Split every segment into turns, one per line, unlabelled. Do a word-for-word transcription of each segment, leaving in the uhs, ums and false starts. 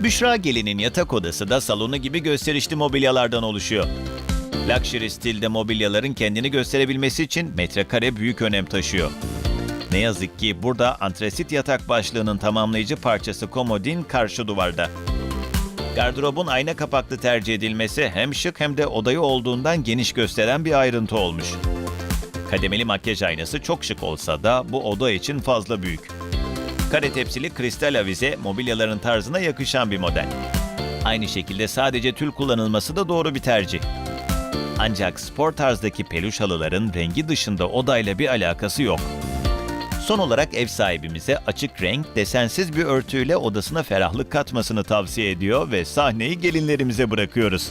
Büşra Gelin'in yatak odası da salonu gibi gösterişli mobilyalardan oluşuyor. Luxury stilde mobilyaların kendini gösterebilmesi için metrekare büyük önem taşıyor. Ne yazık ki burada antresit yatak başlığının tamamlayıcı parçası komodin karşı duvarda. Gardırobun ayna kapaklı tercih edilmesi hem şık hem de odayı olduğundan geniş gösteren bir ayrıntı olmuş. Kademeli makyaj aynası çok şık olsa da bu oda için fazla büyük. Kare tepsili kristal avize mobilyaların tarzına yakışan bir model. Aynı şekilde sadece tül kullanılması da doğru bir tercih. Ancak spor tarzdaki peluş halıların rengi dışında odayla bir alakası yok. Son olarak ev sahibimize açık renk, desensiz bir örtüyle odasına ferahlık katmasını tavsiye ediyor ve sahneyi gelinlerimize bırakıyoruz.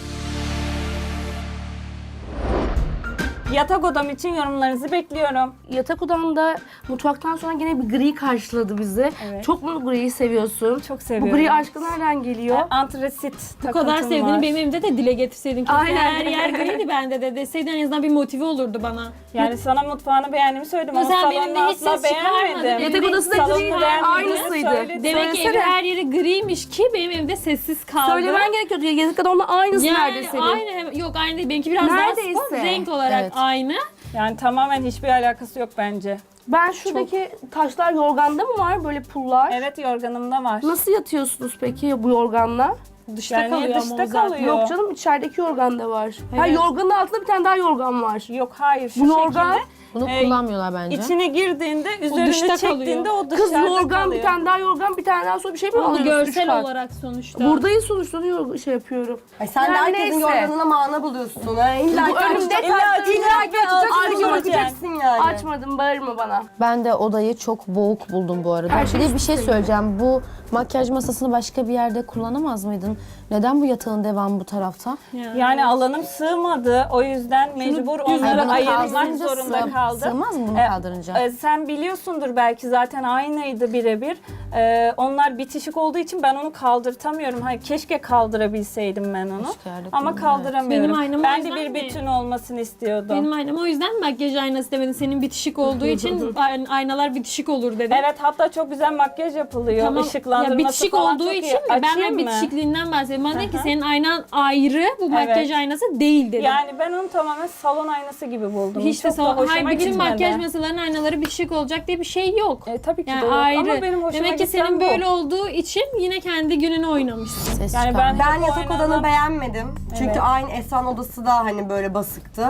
Yatak odam için yorumlarınızı bekliyorum.
Yatak odamda mutfaktan sonra yine bir gri karşıladı bizi.
Evet.
Çok mu griyi seviyorsun?
Çok seviyorum.
Bu gri aşkı nereden geliyor?
Antresit
Bu kadar
takıntım
sevdiğini
var.
benim evimde de dile getirseydin. Keşke
Aynen.
her yer griydi bende de deseydin, en azından bir motive olurdu bana.
Yani sana mutfağını beğendiğimi söyledim
Ya
ama
sen
salonunu
benimle hiç
asla
ses çıkarmadın.
beğenmedim.
Yatak odası da
Salonunu
griydi,
beğenmediğimi
aynısıydı.
söyledim.
Demek ki
Söylesene.
evin her yeri griymiş ki benim evimde sessiz kaldı.
Söylemen gerekiyordu. Yatak odamla aynısı
yani
nerede senin?
aynı, yok aynı değil. Benimki biraz
Neredeyse.
daha spor, renk olarak
Evet.
aynı.
Yani tamamen hiçbir alakası yok bence.
Ben şuradaki taşlar yorganda mı var böyle pullar?
Evet, yorganımda var.
Nasıl yatıyorsunuz peki bu yorganla?
Dışta
Yani
kalıyor
dışta
ama o zaten.
kalıyor.
Yok canım, içerideki yorganda var. Ha,
Evet.
yorganın altında bir tane daha yorgan var.
Yok, hayır, şu
Bu yorgan,
şekilde.
Bunu
Ee,
kullanmıyorlar bence.
İçine girdiğinde, üzerine
dışta
çektiğinde
kalıyor.
o dışarıda
kız yorgan,
kalıyor.
bir tane daha yorgan, bir tane daha sonra bir şey mi
Ama
alıyorsun? Üç
görsel
kat.
olarak sonuçta.
Buradayız sonuçta, onu yor- şey yapıyorum.
Ay sen de
Yani
herkesin
neyse.
yorganına mana buluyorsun. Ha. İlla
Bu
ki
önümde
açacaksın.
kalktığında
İlla ki açacaksın,
açmayacaksın.
sonra bakacaksın yani.
Açmadım, bağırma bana.
Ben de odayı çok boğuk buldum bu arada.
Her
Bir
şey
de bir şey
üst üste
söyleyeceğim. Bu makyaj masasını başka bir yerde kullanamaz mıydın? Neden bu yatağın devamı bu tarafta?
Yani alanım sığmadı. O yüzden mecbur onları
bunu
ayırmak
kaldırınca
zorunda
sığ-
kaldım.
sığmaz mı bunu
Ee,
kaldırınca?
e, sen biliyorsundur belki, zaten aynıydı birebir. Ee, onlar bitişik olduğu için ben onu kaldırtamıyorum. Hayır, keşke kaldırabilseydim ben onu.
Keşke yerde
Ama
kullanırdım.
kaldıramıyorum.
Benim aynam o
ben de
yüzden
bir
mi?
bütün olmasını istiyordum.
Benim aynam o yüzden makyaj aynası demedim. Senin bitişik olduğu için ay- aynalar bitişik olur dedim.
Evet, hatta çok güzel makyaj yapılıyor.
Tamam.
Işıklandırması
Ya bitişik
falan
olduğu
çok
için
iyi.
mi? Ben
Açayım
de
mı?
bitişikliğinden bahsediyorum. Bana dedi ki
Aha.
senin aynan ayrı, bu makyaj aynası değil dedim.
Yani ben onu tamamen salon aynası gibi buldum.
Hiç de
Çok da
sal-
hoşuma
hayır, bütün
gitmedi.
makyaj masalarının aynaları bitişik olacak diye bir şey yok.
E, tabii ki
Yani
de yok.
ayrı.
Ama benim hoşuma
Demek ki
giden
senin
bu.
böyle olduğu için yine kendi gününü oynamışsın.
Ses
Yani
çıkarmıyor.
ben-
Ben
Bu
yatak
aynalar-
odanı beğenmedim. Çünkü
Evet.
aynı Esra'nın odası da hani böyle basıktı.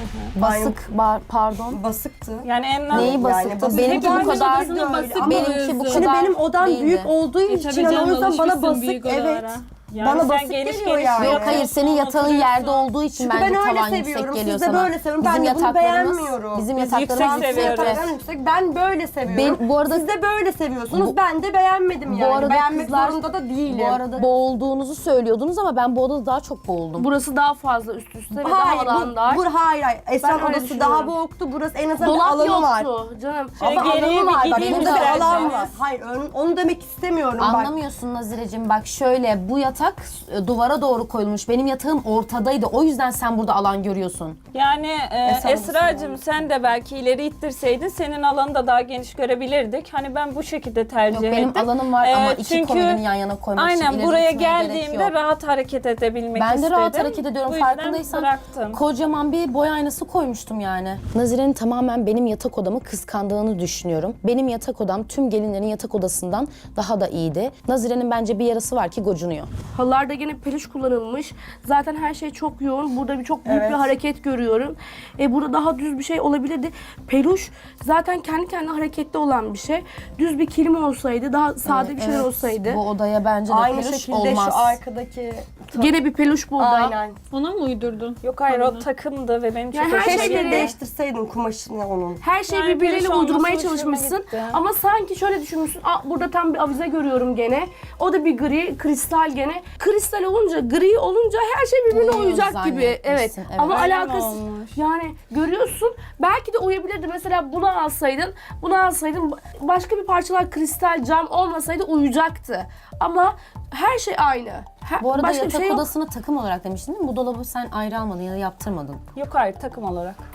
Basık, bar- pardon.
Basıktı.
Yani en
Neyi
Yani
basıktı?
basık.
Benimki bu
Hepimizin
kadar
odasını
değil.
basık
Ama benimki bu
buluyorsun.
Şimdi
kadar
benim odam
değildi.
büyük olduğu
E,
için
tabii
hani
canım,
o yüzden bana
alışmışsın
basık,
büyük
evet.
odalara.
Yani
Bana
sen
basık
geniş
geliyor
geniş
yani.
Yok
oturuyorsun,
hayır, senin yatağın yerde
oturuyorsun.
olduğu için
Çünkü
bence
ben öyle
tavan yüksek
seviyorum.
geliyor
Siz de
sana.
böyle seviyorum. Ben
Bizim
de bunu
yataklarımız,
beğenmiyorum.
bizim
Biz
yataklarımız
yüksek
yüksek.
seviyoruz.
Yataklar yüksek. Ben böyle seviyorum.
Ben- bu arada-
Siz de böyle seviyorsunuz.
Bu-
ben de beğenmedim yani.
Bu arada
Beğenmek
kızlar,
zorunda da değilim.
bu arada boğulduğunuzu söylüyordunuz ama ben bu odada daha çok boğuldum.
Burası daha fazla üst üste ve
Hayır,
daha alan
bu,
dar.
bu, hayır, hayır. Esra'nın
Ben öyle
odası
düşünüyorum.
daha boğuktu. Burası en azından bir
Dolap
alanı var.
yoktu canım.
Şöyle
Ama
geriye
alanı
bir
var. Bak
gideyim
burada bir
isterseniz.
alan var. Hayır, ön- onu demek istemiyorum bak.
Anlamıyorsun Nazire'cim, bak şöyle, bu yatak e, duvara doğru koyulmuş. Benim yatağım ortadaydı. O yüzden sen burada alan görüyorsun.
Yani e,
Esra
Esra'cığım, sen de belki ileri ittirseydin senin alanı da daha geniş görebilirdik. Hani ben bu şekilde tercih
Yok, benim
ettim.
alanım var
E,
ama iki
çünkü
komodini yan yana koymak için
Aynen
ileri
buraya
gitmeye gerek
geldiğimde
yok.
rahat hareket edebilmek
Ben de
istedim.
rahat hareket ediyorum,
Bu yüzden
farkındaysan.
bıraktım.
Kocaman bir boy aynası koymuştum yani. Nazire'nin tamamen benim yatak odamı kıskandığını düşünüyorum. Benim yatak odam tüm gelinlerin yatak odasından daha da iyiydi. Nazire'nin bence bir yarası var ki gocunuyor.
Halılarda gene peluş kullanılmış. Zaten her şey çok yoğun. Burada bir çok büyük
Evet.
bir hareket görüyorum. E, burada daha düz bir şey olabilirdi. Peluş zaten kendi kendine hareketli olan bir şey. Düz bir kilim olsaydı, daha sade bir şeyler
Evet,
olsaydı.
Bu odaya bence de
Aynı
peluş
şekilde
olmaz.
şu arkadaki...
Gene bir peluş burada.
Aynen.
Ona mı uydurdun?
Yok hayır, o takımdı ve benim çok
Yani her
hoşuma
şey
gitti.
Keşke değiştirseydin kumaşını onun.
Her şeyi
Yani
birbiriyle
peluş olması
uydurmaya
hoşuma
çalışmışsın.
gitti.
Ama sanki şöyle düşünmüşsün. Aa, burada tam bir avize görüyorum gene. O da bir gri, kristal gene. Kristal olunca, gri olunca her şey birbirine
Uyuyor
uyacak gibi. Evet.
zannetmişsin, evet.
Ama
Öyle mi
alakası
olmuş?
yani görüyorsun. Belki de uyabilirdi. Mesela bunu alsaydın, bunu alsaydın başka bir parçalar kristal, cam olmasaydı uyacaktı. Ama her şey aynı. Her,
Bu arada
başka bir
yatak
şey yok.
odasını takım olarak demiştin değil mi? Bu dolabı sen ayrı almadın ya da yaptırmadın.
Yok hayır, takım olarak.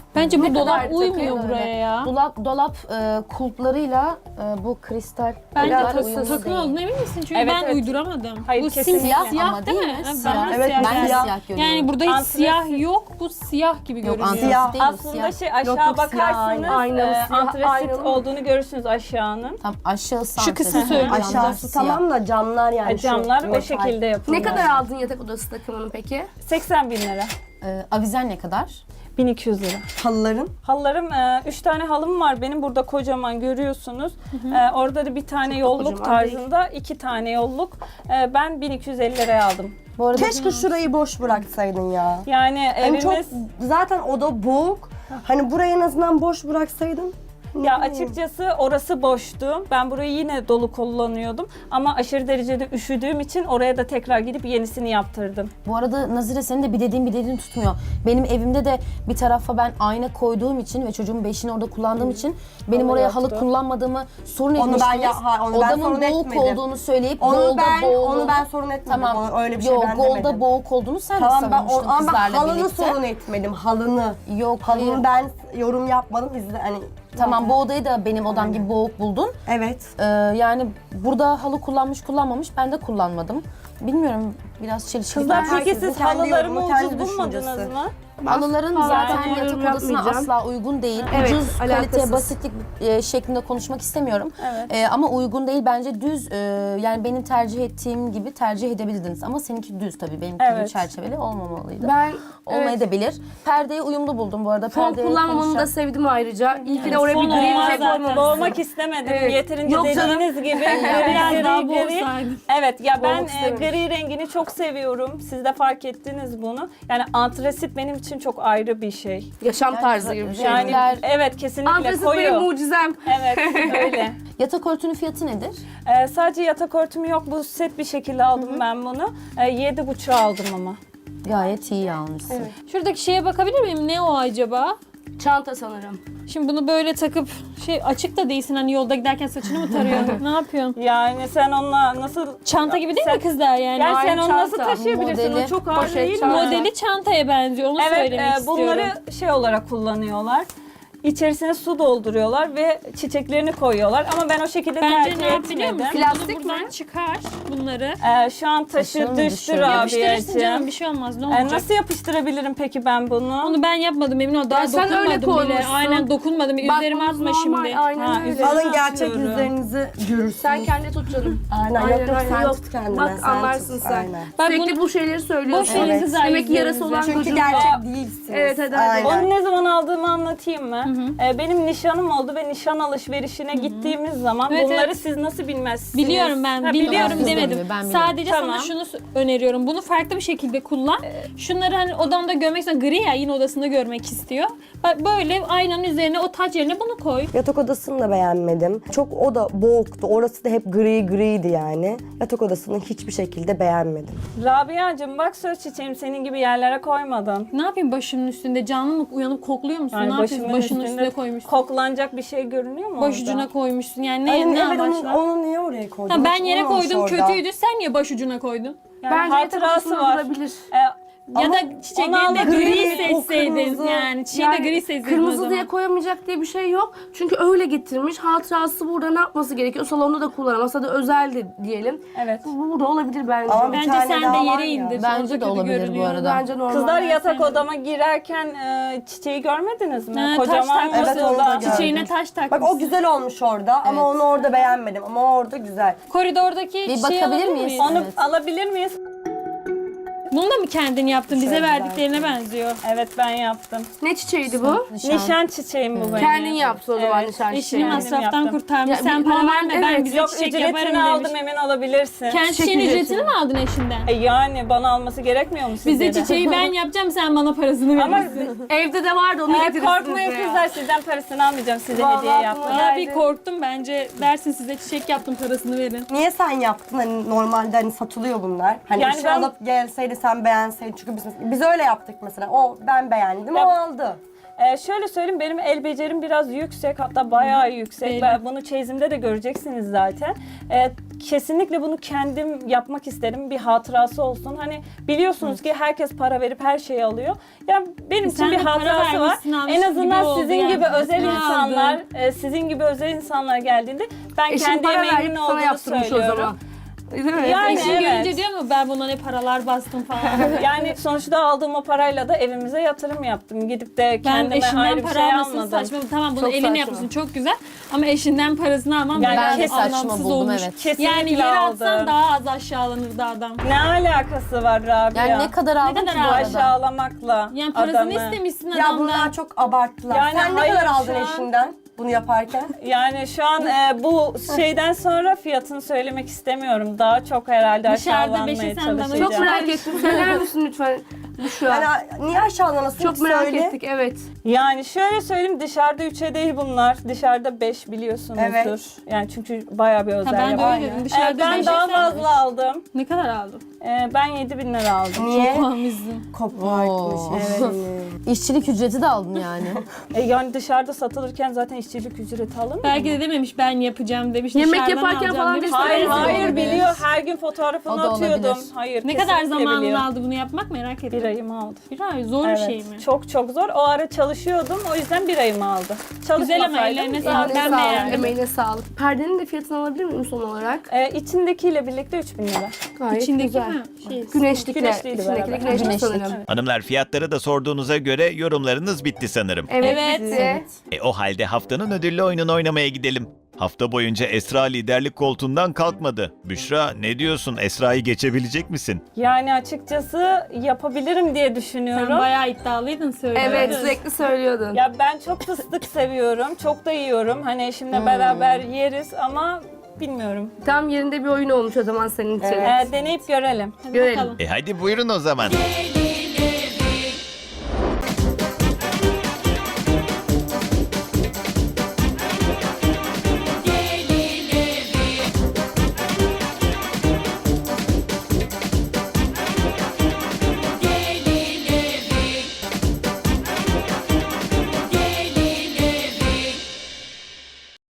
Bence bu
Ne
dolap
kadar
uymuyor
takıyor
buraya ya.
Dolap dolap e, kulplarıyla e, bu kristal
Bence
kulplar
takı
uyumlu
takım
değil.
olduğuna emin misin? Çünkü
Evet,
ben
evet.
uyduramadım.
Hayır,
bu
kesinlikle.
siyah,
Siyah
siyah
ama
değil
değil
mi?
mi?
Ha,
Siyah.
bana
Evet,
siyah
ben
Ben de
geldi.
siyah görüyorum.
Yani burada hiç
Antresit.
siyah yok. Bu siyah gibi görünüyor.
antresit
Siyah.
değil, bu
Aslında
siyah.
şey aşağı
Yok, yok, siyah,
bakarsanız
aynen.
e,
Siyah,
antresit
aynen.
olduğunu görürsünüz aşağının.
Tam aşağısı
Şu kısmı
antresit,
söylüyorum.
yanlar
Aşağısı
siyah.
tamam da camlar yani.
E,
şu
camlar o
metal.
şekilde yapılıyor.
Ne kadar aldın yatak odası takımını peki?
seksen bin lira.
E, avizen ne kadar?
bin iki yüz lira.
Halıların.
Halılarım, e, üç tane halım var benim burada kocaman görüyorsunuz. E, orada da bir tane yolluk
kocaman değil.
tarzında, iki tane yolluk. E, ben bin iki yüz elli liraya aldım.
Bu arada
Keşke şurayı boş bıraksaydın ya.
Yani
Hani
evimiz,
çok zaten oda boğuk. Hani burayı en azından boş bıraksaydın.
ya açıkçası orası boştu. Ben burayı yine dolu kullanıyordum. Ama aşırı derecede üşüdüğüm için oraya da tekrar gidip yenisini yaptırdım.
Bu arada Nazire senin de bir dediğin bir dediğin tutmuyor. Benim evimde de bir tarafa ben ayna koyduğum için ve çocuğumun beşini orada kullandığım için benim
Halı
oraya halı
yoktu.
kullanmadığımı sorun
Onu ben
etmiştiniz.
ya- ha, onu ben
Odamın
sorun
boğuk
etmedim.
olduğunu söyleyip
Onu
golda
ben
boğulu.
onu ben sorun etmedim.
Tamam.
Onu- öyle bir şey
Yok,
ben
golda
demedim.
boğuk olduğunu sen
Tamam
de
ben o,
savunmuştun
ama ben
kızlarla
halını
birlikte.
sorun etmedim. Halını.
Yok,
Halını
hayır.
ben yorum yapmadım. İzle hani
Tamam, bu odayı da benim odam gibi boğuk buldun.
evet.
Ee, yani burada halı kullanmış kullanmamış, ben de kullanmadım. Bilmiyorum, biraz çelişkili.
Kızlar
Herkesin
peki siz
kendi
halılarımı
yorumu, kendi
ucuz bulmadınız
düşüncesi.
mı?
Halıların
Hala
zaten
yorum
yatak odasına
yapmayacağım.
asla uygun değil.
Evet,
Ucuz,
alakasız.
kalite, basitlik e, şeklinde konuşmak istemiyorum.
Evet.
E, ama uygun değil bence düz. e, yani benim tercih ettiğim gibi tercih edebilirdiniz. Ama seninki düz tabii, benimki
Evet.
gibi çerçeveli olmamalıydı.
Ben
Olmayabilir. Perdeyi uyumlu buldum bu arada.
fon
Perdeyi
kullanmamanı da
konuşacağım.
sevdim ayrıca. İyi ki de oraya
Fon
bir gri
olmaz
bir şey
zaten.
koymamışsın.
Boğmak istemedim.
Evet.
Yeterince
Yok canım.
dediğiniz gibi.
Biraz
gri,
daha
gri.
boğsaydın.
Evet ya ben
Boğmak
e,
istememiş.
gri rengini çok seviyorum. Siz de fark ettiniz bunu. Yani antresit benim için çok ayrı bir şey.
Yaşam tarzı gibi bir şey.
Yani
Renkler-
evet kesinlikle
Antresit benim
koyu.
mucizem.
Evet öyle.
Yatak örtünün fiyatı nedir?
Ee, sadece yatak örtüm yok. Bu set bir şekilde aldım ben bunu. Ee, yedi buçuğa aldım ama.
Gayet iyi almışsın.
Şuradaki şeye bakabilir miyim? Ne o acaba?
Çanta sanırım.
Şimdi bunu böyle takıp şey açık da değilsin, hani yolda giderken saçını mı tarıyorsun? Ne yapıyorsun?
Yani sen onunla nasıl...
Çanta gibi değil
Sen-
mi kızlar yani?
Yani sen
Aynı
onu nasıl
çanta,
taşıyabilirsin?
modeli,
O çok ağır
poşet,
değil mi?
çanta.
Modeli çantaya benziyor. Onu
Evet,
söylemek
e,
istiyorum.
bunları şey olarak kullanıyorlar. İçerisine su dolduruyorlar ve çiçeklerini koyuyorlar. Ama ben o şekilde
Bence
tercih
ne yap biliyor
etmedim.
musun?
Plastik
Bunu buradan
mi?
çıkar bunları.
Ee, şu an taşı
Taşıyor mu,
düştü
düşüyor mu?
Yapıştırırsın canım,
Rabia'cığım.
bir şey olmaz. Ne
Ee,
olacak?
nasıl yapıştırabilirim peki ben bunu?
Onu ben yapmadım emin ol. Daha
Ya sen öyle
dokunmadım bile.
koymuşsun.
Aynen dokunmadım. Üzerime
Bakmamız
atma
normal,
şimdi.
Aynen
Ha,
öyle.
üzerine
Alın gerçek
atıyorum.
yüzlerinizi görürsünüz.
Sen kendi tut canım.
Aynen,
Aynen,
yok yok
aynen,
sen
yok.
tut kendine.
Bak,
sen
anlarsın
tut,
sen.
Aynen.
Ben
Sürekli
bunu-
bu şeyleri söylüyorsun.
Boş verin
Evet.
kızlar
Demek ki yarası
yüzlerinizi.
olan
Çünkü
çocuğun
gerçek
var.
değilsiniz.
Evet, hadi, hadi.
Aynen.
Onu ne zaman aldığımı anlatayım mı? Ee, benim nişanım oldu ve nişan alışverişine gittiğimiz zaman
Evet,
bunları
evet.
siz nasıl bilmezsiniz?
Biliyorum ben,
Ha,
biliyorum
biliyorum.
demedim.
Ben biliyorum.
Sadece
Tamam.
sana şunu s- öneriyorum. Bunu farklı bir şekilde kullan. Şunları hani odamda görmek istiyor. Gri ya, yine odasında görmek istiyor. Bak böyle aynanın üzerine o taç yerine bunu koy.
Yatak odasını da beğenmedim. Çok o da boğuktu. Orası da hep gri griydi yani. Yatak odasını hiçbir şekilde beğenmedim.
Rabia'cığım bak söz çiçeğim senin gibi yerlere koymadın.
Ne yapayım başımın üstünde? Canlı mı uyanıp kokluyor musun?
Yani
ne yapıyorsun?
başımın
Başının
üstünde
üstüne koymuşsun.
koklanacak bir şey görünüyor mu
Baş
orada?
ucuna koymuşsun. Yani ne,
Ay,
ne
evet, onu,
amaçla?
onu niye oraya koydun?
Ha, ben
Hiç
yere
olmamış
koydum,
orada.
kötüydü. Sen niye baş ucuna koydun?
Yani
Bence yatak
hatırası
odasında
var.
durabilir.
Ee,
Ya
ama
da
onu
çiçeklerini de
almak-
gri
Gri, o
seçseydin.
kırmızı.
Yani çiçeği de gri seçseydin o
kırmızı
zaman.
diye koyamayacak diye bir şey yok. Çünkü öyle getirmiş. Hatırası burada ne yapması gerekiyor? Salonda da kullanamaz. Hadi özeldi diyelim.
Evet.
Bu burada olabilir bence.
Ama bir
Bence
tane
sen
daha
de
var
yere
ya.
indir.
Bence
Orada
de
kötü
olabilir bu
görünüyor.
arada.
Bence normal.
Kızlar
Ben
yatak
sevmiyorum.
odama girerken e, çiçeği görmediniz mi?
Ha, taş
Kocaman
takmış.
Evet, onu da
masada.
gördüm.
Çiçeğine taş takmış.
Bak o güzel olmuş orada ama
Evet.
onu orada beğenmedim. Ama o orada güzel.
Koridordaki
Bir
şey
bakabilir
alabilir
miyiz?
miyiz?
Onu
Evet.
alabilir miyiz?
Bunu da mı kendin yaptın? Bize
Şöyle
verdiklerine benziyor.
Evet ben yaptım.
Ne çiçeğiydi bu?
Nişan.
Nişan çiçeğim bu benim.
Kendin yaptı o zaman
Evet.
nişan
Eşini
çiçeği.
Kendim
masraftan
yaptım.
kurtarmış.
Ya,
Sen
bir
para
normal-
verme, ben
evet.
güzel
Yok
çiçek
ücretini
yaparım
aldım
demiş.
emin olabilirsin.
Kendi çiçeğin
ücretini.
ücretini mi aldın eşinden?
E yani bana alması gerekmiyor mu sizce
Bize
de?
çiçeği ben yapacağım, sen bana parasını
Ama
verirsin.
Evde de vardı onu
e,
getirirsiniz
korkmayın
buraya.
kızlar sizden parasını almayacağım size
Vallahi
hediye
aklıma
yaptım.
geldi.
Aa, bir korktum, bence dersin size çiçek yaptım, parasını verin.
Niye sen yaptın? Hani normalde hani satılıyor bunlar. Hani
Yani
bir şey
ben-
alıp gelseydi sen beğenseydin. Çünkü biz, biz öyle yaptık mesela. O ben beğendim,
Ya-
o aldı.
Ee, şöyle söyleyeyim, benim el becerim biraz yüksek, hatta bayağı yüksek.
Belli.
Ben bunu çeyizimde de göreceksiniz zaten. Ee, kesinlikle bunu kendim yapmak isterim, bir hatırası olsun. Hani biliyorsunuz ki herkes para verip her şeyi alıyor. Yani benim için
Sen
bir
de para
hatırası var.
vermişsin, almışsın
En
gibi
azından
oldu
sizin
yani.
gibi özel
Ne
insanlar,
aldın?
e, sizin gibi özel insanlar geldiğinde ben
Eşim
kendi
para
emeğimin
verip sana
olduğunu
yaptırmış o
söylüyorum.
zaman. Değil mi?
Yani
Eşin
evet.
görünce diyor mu ben buna ne paralar bastım falan.
Yani sonuçta aldığım o parayla da evimize yatırım yaptım. Gidip de
Ben
kendime
eşinden
ayrı bir
para
şey
almasın
almadım.
saçma. Tamam bunu
Çok
eline
saçma.
yapmışsın çok güzel. Ama eşinden parasını almam
Yani
bayağı
ben de saçma
anlamsız
buldum,
olmuş.
evet.
Kesinlikle
Yani yere atsan
aldım.
daha az aşağılanırdı adam.
Ne alakası var Rabia?
Yani ne kadar aldın
kadar
ki bu
aldın?
arada?
Aşağılamakla
Yani parasını
adamı.
istemişsin
Ya
adamdan.
bunlar çok abarttılar.
Yani
Sen ne
hayır,
kadar
şu
aldın
an-
eşinden bunu yaparken?
Yani şu an e, bu şeyden sonra fiyatını söylemek istemiyorum. Daha çok herhalde
Dışarıda
aşağılanmaya
beşi senden
çalışacağım.
Çok merak ettim. Söyler misin lütfen? Şu an.
Yani niye aşağılanasın?
Çok merak
Söyle.
ettik, evet.
Yani şöyle söyleyeyim, dışarıda üçe değil bunlar. Dışarıda beş biliyorsunuzdur.
Evet.
Yani çünkü bayağı bir özel
Ha, ben de
yapı.
öyle dedim.
E,
Dışarıda
ben
beşe
daha
sen
fazla
beş.
aldım.
Ne kadar aldın?
E, ben yedi bin lira aldım.
Niye?
Puanımızın.
Kopartmış
Oo.
eşini.
İşçilik ücreti de aldın yani.
E, yani dışarıda satılırken zaten işçilik ücreti alınmıyor
Belki
mu?
de dememiş ben yapacağım demiş.
Yemek
dışarıdan
yaparken
alacağım
falan
demiş.
bir
Hayır
Öyle
hayır
olabilir.
biliyor. Her gün
O
fotoğrafını
da
atıyordum.
olabilir.
Hayır.
Ne kadar
kesinlikle
zamanını
biliyor.
aldı bunu yapmak merak ettim.
Bir ayımı aldı.
Bir ay zor bir
Evet.
şey mi?
Çok çok zor. O ara çalışıyordum. O yüzden bir ayımı aldı.
Güzel ama
Çalışmasaydım
ellerine
iyi.
sağlık. Ben
Emeğine sağlık,
beğendim.
emeğine sağlık. Perdenin de fiyatını alabilir miyim son olarak?
Ee, içindekiyle birlikte üç bin lira.
Gayet
İçindeki
güzel.
mi? Şey,
Güneşlikle,
Güneşliydi
içindeki de
beraber.
güneşlik
Güneşlik.
sanırım.
Hanımlar fiyatları da sorduğunuza göre yorumlarınız bitti sanırım.
Evet,
Evet.
bitti.
E o halde haftanın ödüllü oyununu oynamaya gidelim. Hafta boyunca Esra liderlik koltuğundan kalkmadı. Büşra ne diyorsun? Esra'yı geçebilecek misin?
Yani açıkçası yapabilirim diye
Sen
düşünüyorum.
bayağı iddialıydın söylüyordun.
Evet, sürekli söylüyordun.
Ya ben çok fıstık seviyorum. Çok da yiyorum. Hani eşimle beraber yeriz ama bilmiyorum.
Tam yerinde bir oyun olmuş o zaman senin için.
Ee, deneyip görelim.
Hadi
Görelim.
bakalım.
E hadi buyurun o zaman.